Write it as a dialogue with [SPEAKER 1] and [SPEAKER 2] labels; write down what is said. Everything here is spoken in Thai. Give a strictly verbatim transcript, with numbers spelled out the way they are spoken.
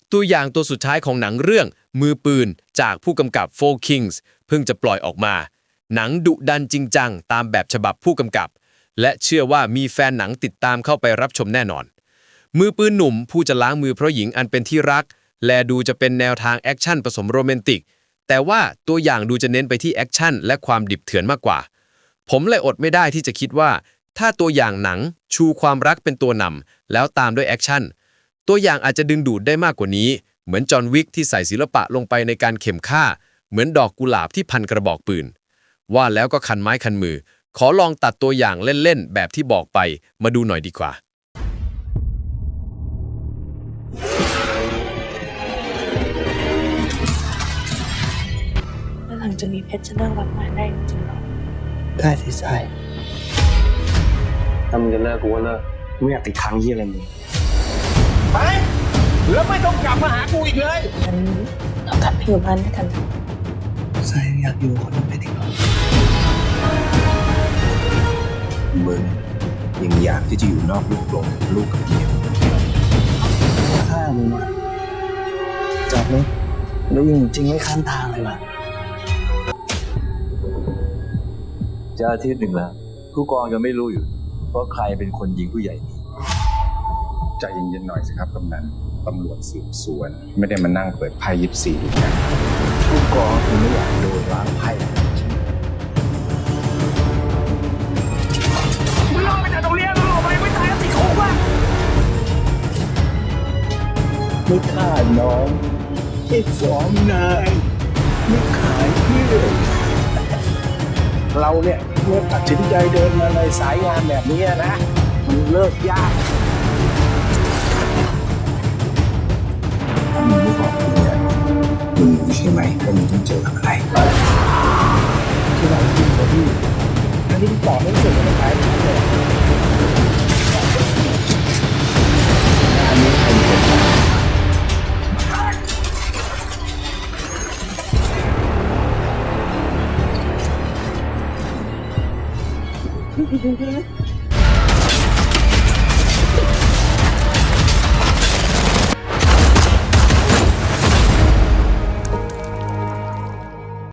[SPEAKER 1] ตัวอย่างตัวสุดท้ายของหนังเรื่องมือปืนจากผู้กำกับโฟร์ Kings เพิ่งจะปล่อยออกมาหนังดุดันจริงจังตามแบบฉบับผู้กำกับและเชื่อว่ามีแฟนหนังติดตามเข้าไปรับชมแน่นอนมือปืนหนุ่มผู้จะล้างมือเพราะหญิงอันเป็นที่รักและดูจะเป็นแนวทางแอคชั่นผสมโรแมนติกแต่ว่าตัวอย่างดูจะเน้นไปที่แอคชั่นและความดิบเถื่อนมากกว่าผมเลยอดไม่ได้ที่จะคิดว่าถ้าตัวอย่างหนังชูความรักเป็นตัวนำแล้วตามด้วยแอคชั่นตัวอย่างอาจจะดึงดูดได้มากกว่านี้เหมือนจอห์นวิกที่ใส่ศิลปะลงไปในการเข็มฆ่าเหมือนดอกกุหลาบที่พันกระบอกปืนว่าแล้วก็คันไม้คันมือขอลองตัดตัวอย่างเล่นๆแบบที่บอกไปมาดูหน่อยดีกว่า
[SPEAKER 2] แล้วหลังจากนี้เพชรจะเลิกรับงานได้จริงๆหรอ
[SPEAKER 3] ได้สิทราย
[SPEAKER 4] ถ้ามึงจะเลิกกูก็เลิก
[SPEAKER 3] ไม่อยากติดค้างยี่อะไรมึง
[SPEAKER 4] ไปแล้วไม่ต้องกลับมาหากูอีกเลย
[SPEAKER 2] งั้นเรากลับไปอยู่บ้านด้วยกันนะ
[SPEAKER 3] ทรายอยากอยู่คนนึงได้ดีกว่า
[SPEAKER 5] มึงยังอยากที่จะอยู่นอกลูกกลงลูกกับเมีย
[SPEAKER 3] ฆ่ามึงอะจับมึงแล้วยิงจริงไม่ข้ามทางเลยว่ะ
[SPEAKER 5] จะอาทิตย์หนึ่งแล้วผู้กองยังไม่รู้อยู่ว่าใครเป็นคนยิงผู้ใหญ่นี่
[SPEAKER 6] ใจเย็นๆหน่อยสิครับกำนันตำรวจสืบสวน ไม่ได้มานั่งเปิดไพ่ยิบสี่ดูกัน
[SPEAKER 5] ผู้กองคือไม่อยากโดนล้างไพ่
[SPEAKER 4] มึงลงไปจากตรงเนี้ยมึงออกไปไม่ตายก็ติดคุกว่ะ
[SPEAKER 3] ไม่ฆ่าน้องแค่สองนายไม่ขายเพื่อนเราเนี่ยเมื่อตัดสินใจเดินมาในสายงานแบบนี้นะมันเลิกยาก
[SPEAKER 5] ถ้ามึงไม่บอกกูเนี่ยมึงรู้ใช่ไหมว่ามึงต้องเจอกับอะไร
[SPEAKER 3] ที่เราจริงกว่าพี่อันนี้ตอบไม่เสร็จเลยนะครับเลยอันนี้ใครเป็นบ้าง
[SPEAKER 2] พี่